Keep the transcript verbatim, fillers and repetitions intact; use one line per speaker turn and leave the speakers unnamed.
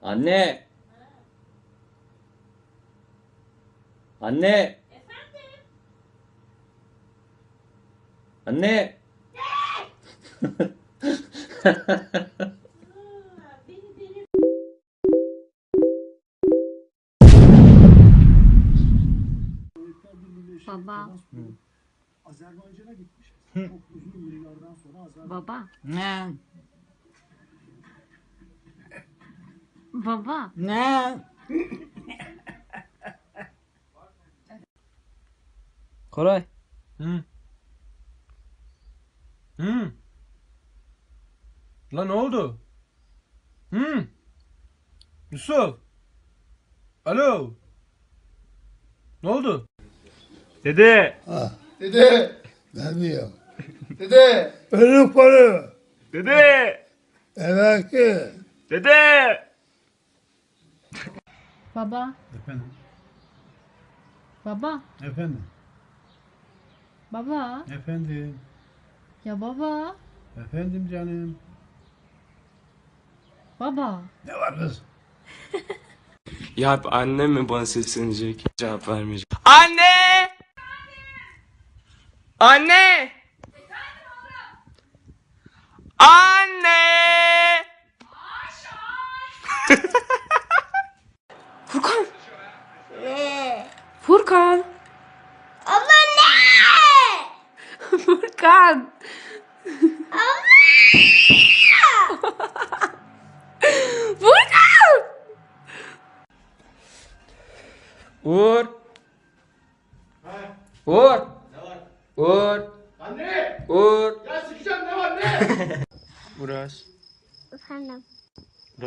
Anne. Anne. Anne.
Baba.
Azerbaycan'a gitmiş. Çok uzun yıllardan sonra Azerbaycan.
Baba.
Ne?
Baba.
Ne?
Koray.
Hı. Hı. Lan ne oldu? Hı. Yusuf. Alo. Ne oldu? Dede.
Dede!
Ne diyor?
Dede!
Ölü para.
Dede.
Emekli.
Dede.
Baba.
Efendim?
Baba.
Efendim?
Baba.
Efendim?
Ya baba.
Efendim canım?
Baba.
Ne var kız?
Ya hep annem mi bana seslenecek? Cevap vermeyecek. Anne! Anne! Anne! Furkan! Furkan!
Abla ne?
Furkan! Furkan! Uğur! Uğur!